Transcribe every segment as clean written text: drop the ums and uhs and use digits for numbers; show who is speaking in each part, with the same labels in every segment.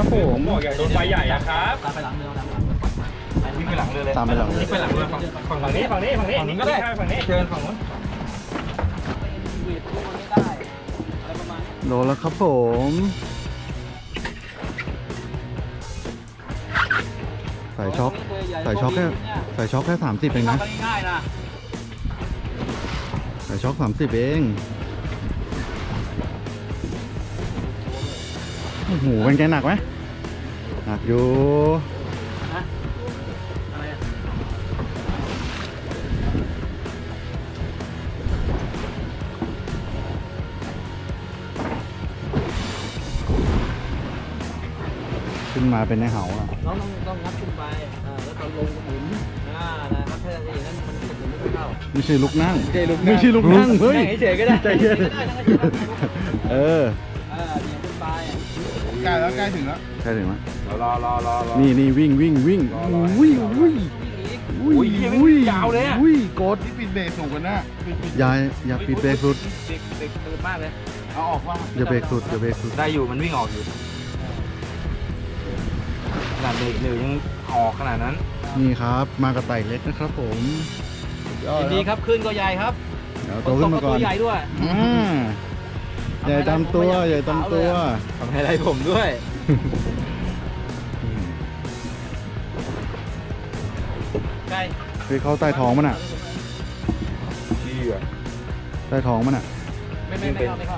Speaker 1: ครับผม
Speaker 2: โดนไฟใหญ่อะครับ
Speaker 3: ตามไปหลังเรือตามหลัง
Speaker 2: วิ่งไปหลังเรือเลย
Speaker 1: ตามไปหลังเรือ
Speaker 2: วิ่งไปหลังเรือฝั่งนี้ฝั่งนี้ก็ได้ฝั่งนี้เชิญฝั่งนู้น
Speaker 3: เวทตัวไม่ได้อะไรประมาณนี้
Speaker 1: โดนแล้วครับผมใส่ช็อคใส่ช็อคแค่30เองนะ
Speaker 3: ง่ายๆนะ
Speaker 1: ใส่ช็อค30เองโอ้โหเป็นไงหนักไหมหนักอยู่
Speaker 3: อะไรอ่ะ
Speaker 1: ขึ้นมาเป็นในเหาอ่ะ
Speaker 3: น้องต้องงัดขึ้นไปแล้วก็ลงหมุนนะครับถ้าอย่างนั้นมันหมุนไม่ค่อยเข้า
Speaker 1: ไม่ใช่ลุกนั่ง
Speaker 3: ไม่ใช่ลุกนั่ง
Speaker 1: ไม่ใช่ลุกนั่งเฮ้ย
Speaker 3: นั่งเฉยๆก็ได้
Speaker 1: ใจเย็น เออ
Speaker 3: เดี๋ยวขึ้นไป
Speaker 4: ใกล้แล้วใกล้ถึงแล้ว
Speaker 1: ใช่ถึงไหม
Speaker 2: รอ
Speaker 1: นี่วิ่งอุ้ยอุ้ยอุ้ยอุ้ยยาวเลยอ่ะอุ้ยกด
Speaker 4: ที่ปิดเบรกสูงกว่าน่ะปิด
Speaker 1: อย่าปิดเบรกสุด
Speaker 3: เด็กตื่นมากเลย
Speaker 4: เอาออกว่า
Speaker 1: อย่าเบรกสุดอย่าเบรกสุด
Speaker 2: ได้อยู่มันวิ่งออกอยู่ขนาดเบรกหนึ่งยังออกขนาดนั้น
Speaker 1: นี่ครับมากระต่ายเล็กนะครับผม
Speaker 3: ยินดีครับขึ้นก็ใหญ่ครับ
Speaker 1: เดี๋ยวโตขึ้นมาก่อน
Speaker 3: ตัวใหญ่ด้วย
Speaker 1: ใหญ่ตามตัวใหญ่ตามตัว
Speaker 2: ทำให้ไรผมด้วย
Speaker 3: ใกล้
Speaker 1: คือเขาใต้ท้องมันอ่ะ
Speaker 2: เชี่ย
Speaker 1: ใต้ท้องมันอ่ะ
Speaker 3: ไม่เข้า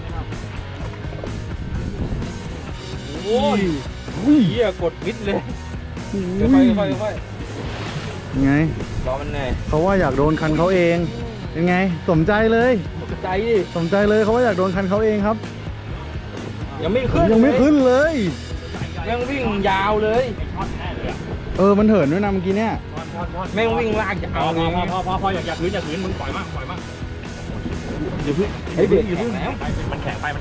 Speaker 3: โอ้
Speaker 2: โอ้ยเหี้ยกดมิดเลยค่อย
Speaker 1: ยังไง
Speaker 2: รอมันเหนื่อย
Speaker 1: เขาว่าอยากโดนคันเขาเองยังไงสมใจเลย
Speaker 2: ตกใจดิ
Speaker 1: สมใจเลยเขาว่าอยากโดนคันเขาเองครับ
Speaker 2: ยังไม่ขึ้น
Speaker 1: ยังไม่ขึ้นเลย
Speaker 2: แม่งวิ่งยาวเลย
Speaker 1: มันเหินด้วยนะเมื่อกี้เนี่ย
Speaker 2: แม่งวิ่งลากยาวเลย
Speaker 5: พออย่าคืนมึงปล่อยมาก
Speaker 2: อย่าพึ่งไอ้เบรกอย่าพึ่งแล้ว
Speaker 5: มันแข็งไป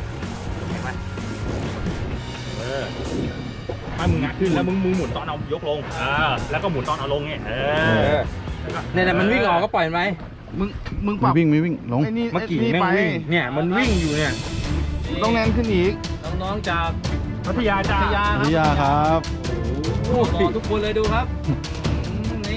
Speaker 5: ถ้ามึงงัดขึ้นแล้วมึงหมุนตอนเอายกลงแล้วก็หมุนตอนเอาลงเนี่ย
Speaker 2: เนี่ยมันวิ่งออกก็ปล่อยมันไป
Speaker 4: มึงปรับ
Speaker 1: ไม่วิ่งลง
Speaker 4: ไอ้นี่
Speaker 2: เมื่อกี้
Speaker 4: นี่
Speaker 2: แม่ง
Speaker 4: ไป
Speaker 2: วิ่งเนี่ยมันวิ่งอยู่เนี่ย
Speaker 4: ต้องแน่นขึ้นอีก
Speaker 3: น้องๆจาก
Speaker 5: พัทยาจ้า
Speaker 3: พัทยา
Speaker 1: พิยาครับ
Speaker 3: โอ้โหทุกคนเลยดูครับนี่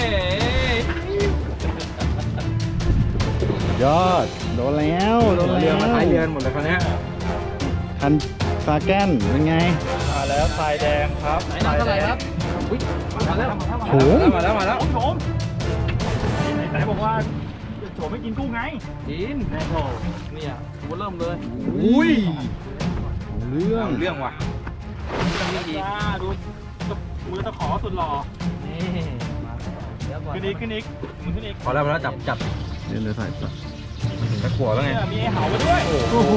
Speaker 1: ยอดโดนแล้วโดน
Speaker 2: เรือ
Speaker 1: แล้ว
Speaker 2: มาท้ายเรือหมดเลยคันนี้
Speaker 1: คันซาแกนเป็นไง
Speaker 5: มาแล้วทรายแดงครับ
Speaker 3: ไหนน้ำเท่าไหร่ครับอุ้ยมาแล้ว
Speaker 1: โถม
Speaker 2: มาแล้ว
Speaker 5: โฉมไหนบอกว่าโฉมไม่กินกุ้งไง
Speaker 3: กิน
Speaker 5: แน่โถ
Speaker 3: เนี่ยหัวเริ่มเลย
Speaker 1: อุ้ยเรื่อง
Speaker 2: เรื่องว่ะ
Speaker 5: จ้าดูมือตะขอสุดหล่อ
Speaker 3: นี่มาเดี๋ยวก่อน
Speaker 5: ขึ้นอีกมึงขึ้นอีก
Speaker 2: พอแล้วจับ
Speaker 1: เดี๋ยวใส่ปะ
Speaker 2: ตะกั่วแล้วไง
Speaker 5: มีไอ้เห่ามาด้วย
Speaker 1: โอ้โห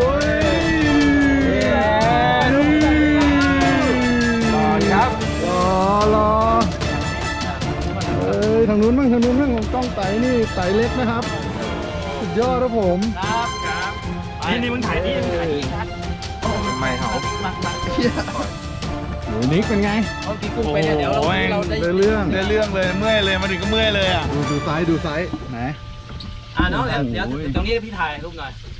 Speaker 2: รอครับ
Speaker 1: รอทางนู้นบ้างผมต้องไต่นี่ไต่เล็กนะครับสุดยอดครับผม
Speaker 3: ครับ
Speaker 5: นี่มึงถ่ายนี่ครับ
Speaker 2: ไม่เหา
Speaker 1: หนูนิกเป็นไง
Speaker 3: เอากินกุ้งไปเนี่ยเดี๋ยวเราได้
Speaker 1: ได้เรื่อง
Speaker 4: ได้เรื่องเลยเมื่อยเลยมาถึงก็เมื่อยเลยอ่ะ
Speaker 1: ดูไซส์ไหน
Speaker 3: น้องเดี๋ยวตรงนี้พี่ถ่ายรูปหน่อย